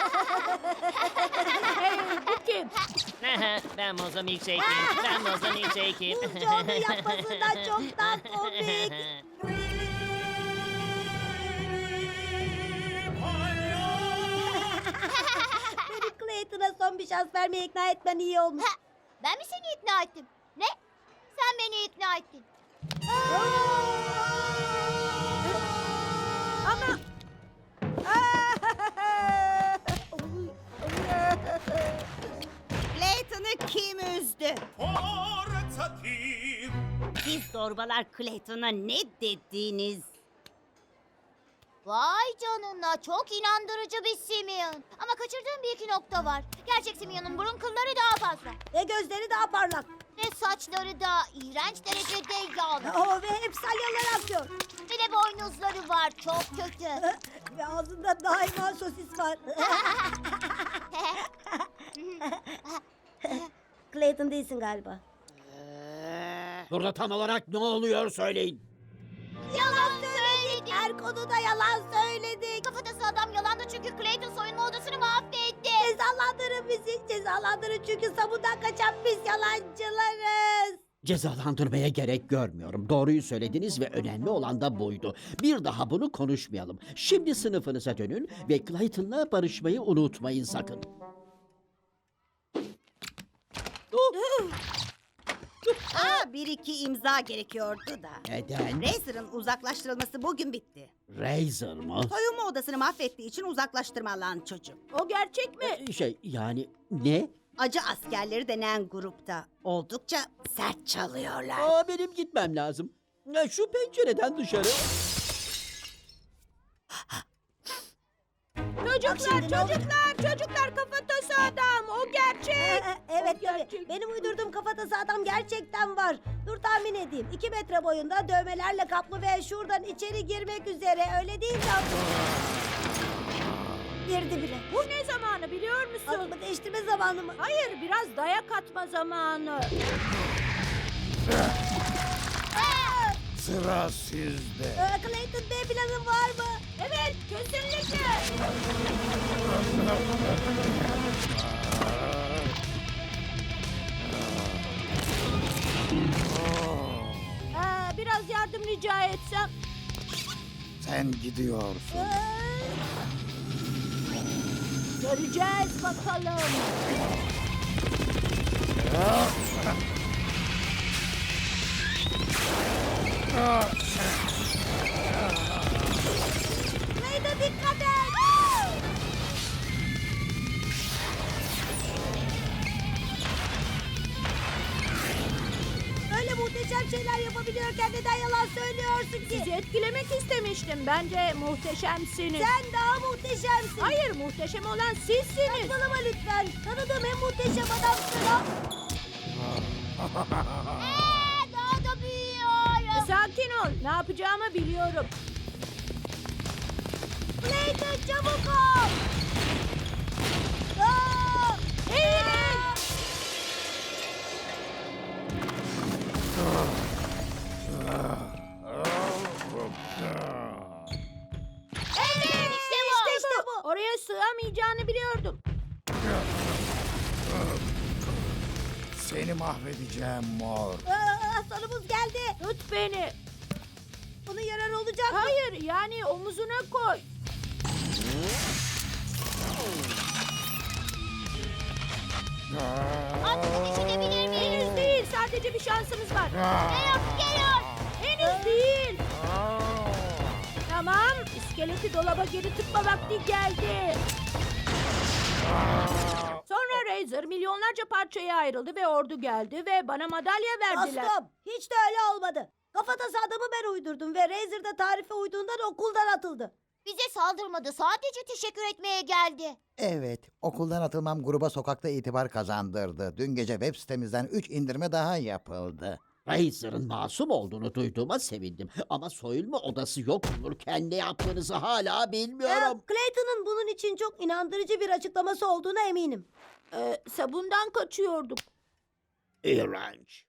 Hey, bu kim? Ben Moza Milkshake'im. Ben Moza Milkshake'im. Bunca onu yapmasından çok daha komik. Beni Clayton'a son bir şans vermeye ikna etmen iyi olmuş. Ben mi seni ikna ettim? Ne? Sen beni ikna ettin. Ama Clayton'ı kim üzdü? Portatif. Siz zorbalar Clayton'a ne dediniz? Vay canına, çok inandırıcı bir Simeon. Ama kaçırdığım bir iki nokta var. Gerçek Simeon'un burun kılları daha fazla. Ve gözleri daha parlak. Ve saçları da iğrenç derecede yağlı. Ve hep salyalar atıyor. Bir de boynuzları var, çok kötü. Ve ağzında daima sosis var. Clayton değilsin galiba. Burada tam olarak ne oluyor söyleyin. Yalan söyledim. Her konuda yalan söyledik. Kafatası adam yalandı çünkü Clayton soyunma odasını mahvetti. Cezalandırın bizi. Cezalandırın çünkü sabundan kaçan biz yalancılarız. Cezalandırmaya gerek görmüyorum. Doğruyu söylediniz ve önemli olan da buydu. Bir daha bunu konuşmayalım. Şimdi sınıfınıza dönün ve Clayton'la barışmayı unutmayın sakın. Bir iki imza gerekiyordu da. Neden? Razor'ın uzaklaştırılması bugün bitti. Razor mı? Soyunma odasını mahvettiği için uzaklaştırmalan çocuk. o gerçek mi? Yani ne? Acı askerleri denen grupta oldukça sert çalıyorlar. Benim gitmem lazım. Şu pencereden dışarı. Çocuklar kafatası adam. O gerçek. Evet O gerçek. benim uydurduğum kafatası adam gerçekten var. Dur tahmin edeyim. 2 metre boyunda dövmelerle kaplı ve şuradan içeri girmek üzere öyle değil mi? Girdi bile. Bu ne zamanı biliyor musun? Adımı değiştirme zamanı mı? Hayır, biraz dayak atma zamanı. Sıra sizde. Clayton B planın var mı? Evet, kesinlikle. Biraz yardım rica etsem. Sen gidiyorsun. Göreceğiz bakalım. Clayton dikkat et. Öyle muhteşem şeyler yapabiliyorken neden yalan söylüyorsun ki? Sizi etkilemek istemiştim. Bence muhteşemsiniz. Sen daha muhteşemsin. Hayır, muhteşem olan sizsiniz. Saçmalama lütfen. Tanıdığım en muhteşem adamsın. Ha? Daha da büyüyor. Sakin ol. Ne yapacağımı biliyorum. Clayton çabuk ol. Aa! Eğilin. Evet, işte bu. Oraya sığamayacağını biliyordum. Seni mahvedeceğim mor. Sonumuz geldi. Tut beni. Bunun yararı olacak mı? Hayır, yani omuzuna koy. Artık içebilir miyim? Henüz değil, sadece bir şansımız var. Geliyor. Henüz değil. Tamam, iskeleti dolaba geri tıkma vakti geldi. Sonra Razor milyonlarca parçaya ayrıldı ve ordu geldi ve bana madalya verdiler. Dostum hiç de öyle olmadı. Kafatası adamı ben uydurdum ve Razor da tarife uyduğundan okuldan atıldı. Bize saldırmadı, sadece teşekkür etmeye geldi. Evet, okuldan atılmam gruba sokakta itibar kazandırdı. Dün gece web sitemizden 3 indirme daha yapıldı. Razor'ın masum olduğunu duyduğuma sevindim. Ama soyunma odası yok olurken ne yaptığınızı hala bilmiyorum. Clayton'ın bunun için çok inandırıcı bir açıklaması olduğuna eminim. Sabundan kaçıyorduk. İğrenç.